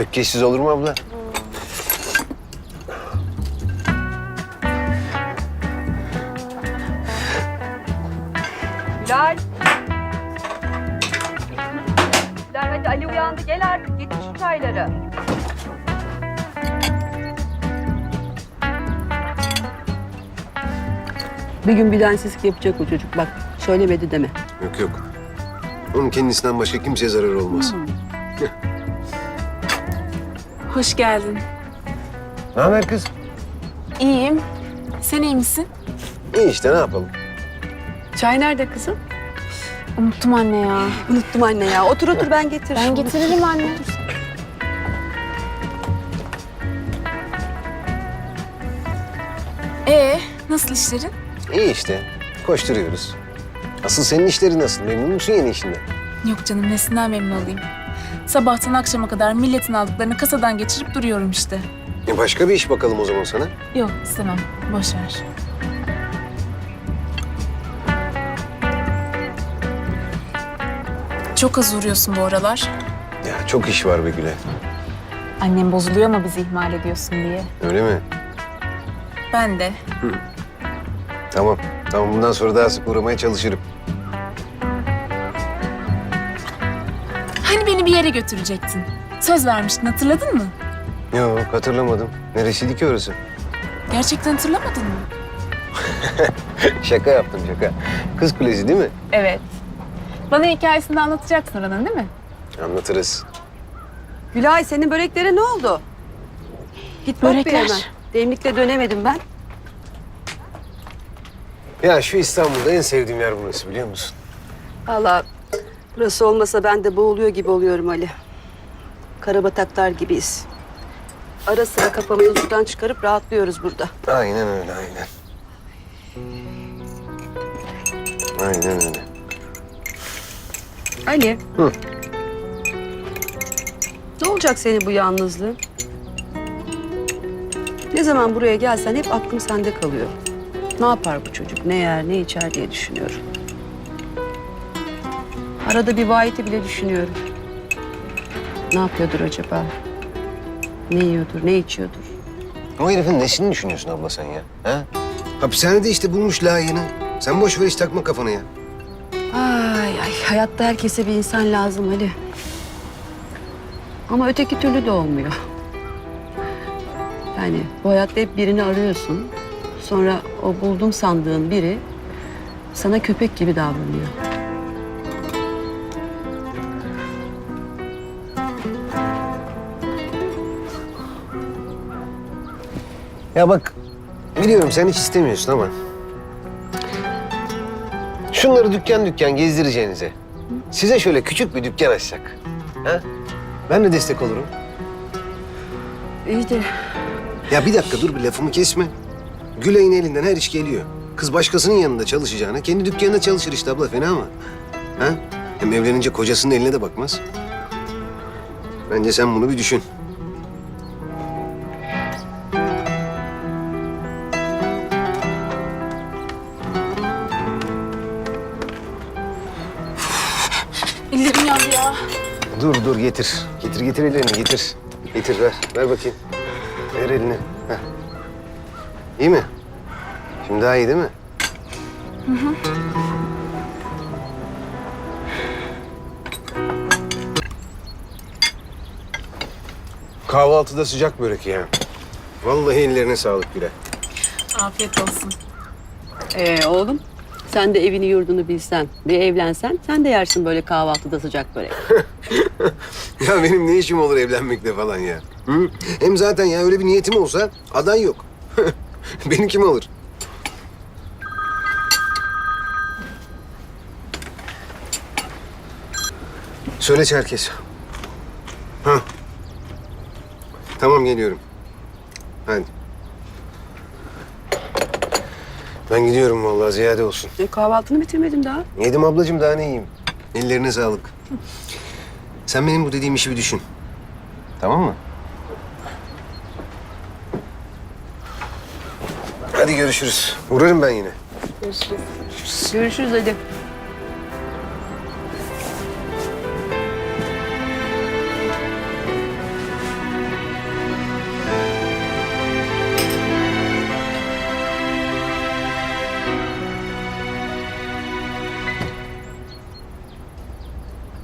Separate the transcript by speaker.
Speaker 1: Ökkeşsiz olur mu abla?
Speaker 2: Bilal. Bilal hadi Ali uyandı. Gel artık getir şu çayları.
Speaker 3: Bir gün bir densizlik yapacak o çocuk. Bak söylemedi deme.
Speaker 1: Yok yok. Onun kendisinden başka kimseye zarar olmaz.
Speaker 4: Hoş geldin.
Speaker 1: Ne haber kız?
Speaker 4: İyiyim. Sen iyi misin?
Speaker 1: İyi işte ne yapalım?
Speaker 3: Çay nerede kızım?
Speaker 4: Unuttum anne ya.
Speaker 3: Unuttum anne ya. Otur otur ben getiririm.
Speaker 4: Ben getiririm anne. Nasıl işlerin?
Speaker 1: İyi işte. Koşturuyoruz. Asıl senin işlerin nasıl? Memnun musun yeni işinden?
Speaker 4: Yok canım nesinden memnun olayım. Sabahtan akşama kadar milletin aldıklarını kasadan geçirip duruyorum işte.
Speaker 1: Başka bir iş bakalım o zaman sana.
Speaker 4: Yok istemem. Boş ver. Çok az uğruyorsun bu aralar.
Speaker 1: Ya çok iş var be Güle.
Speaker 4: Annem bozuluyor ama bizi ihmal ediyorsun diye.
Speaker 1: Öyle mi?
Speaker 4: Ben de.
Speaker 1: Tamam. Tamam bundan sonra daha sık uğramaya çalışırım.
Speaker 4: Hani beni bir yere götürecektin? Söz vermiştin hatırladın mı?
Speaker 1: Yok hatırlamadım. Neresiydi ki orası?
Speaker 4: Gerçekten hatırlamadın mı?
Speaker 1: Şaka yaptım şaka. Kız Kulesi değil mi?
Speaker 4: Evet. Bana hikayesini de anlatacaksın oranın değil mi?
Speaker 1: Anlatırız.
Speaker 3: Gülay senin böreklere ne oldu? Git bak bir
Speaker 4: Börekler.
Speaker 3: hemen. Demlikle dönemedim ben.
Speaker 1: Ya şu İstanbul'da en sevdiğim yer burası biliyor musun?
Speaker 3: Vallahi burası olmasa ben de boğuluyor gibi oluyorum Ali. Karabataklar gibiyiz. Ara sıra kafamızı sudan çıkarıp rahatlıyoruz burada.
Speaker 1: Aynen öyle aynen. Aynen öyle.
Speaker 3: Ali.
Speaker 1: Hı.
Speaker 3: Ne olacak senin bu yalnızlığın? Ne zaman buraya gelsen hep aklım sende kalıyor. Ne yapar bu çocuk, ne yer, ne içer diye düşünüyorum. Arada bir Vahit'i bile düşünüyorum. Ne yapıyordur acaba? Ne yiyordur, ne içiyordur?
Speaker 1: O herifin nesini düşünüyorsun abla sen ya? Ha? Hapishanede işte bulmuş layığını. Sen boş ver hiç takma kafana ya.
Speaker 3: Ay ay, hayatta herkese bir insan lazım Ali. Ama öteki türlü de olmuyor. Yani bu hayatta hep birini arıyorsun. Sonra o buldum sandığın biri sana köpek gibi davranıyor.
Speaker 1: Ya bak biliyorum sen hiç istemiyorsun ama... Şunları dükkan dükkan gezdireceğinize size şöyle küçük bir dükkan açsak. Ha? Ben de destek olurum.
Speaker 3: İyi de
Speaker 1: Ya bir dakika dur bir lafımı kesme. Gülay'ın elinden her iş geliyor. Kız başkasının yanında çalışacağına kendi dükkanında çalışır işte abla fena mı? Ha? Hem evlenince kocasının eline de bakmaz. Bence sen bunu bir düşün.
Speaker 4: Ellerim yandı ya.
Speaker 1: Dur getir. Getir ellerini getir. Getir ver. Ver bakayım. Ver elini. Heh. İyi mi? Şimdi daha iyi değil mi? Kahvaltıda sıcak börek ya. Vallahi ellerine sağlık Güle.
Speaker 4: Afiyet olsun.
Speaker 3: oğlum sen de evini yurdunu bilsen, bir evlensen sen de yersin böyle kahvaltıda sıcak börek.
Speaker 1: Ya benim ne işim olur evlenmekle falan ya? Hı? Hem zaten ya öyle bir niyetim olsa aday yok. Beni kim alır? Söyle Çerkes. Ha. Tamam geliyorum. Hadi. Ben gidiyorum vallahi ziyade olsun.
Speaker 3: Kahvaltını bitirmedim daha.
Speaker 1: Yedim ablacığım daha ne yiyeyim? Ellerine sağlık. Sen benim bu dediğim işi bir düşün. Tamam mı? Hadi görüşürüz. Uğrarım ben yine.
Speaker 3: Görüşürüz Ali.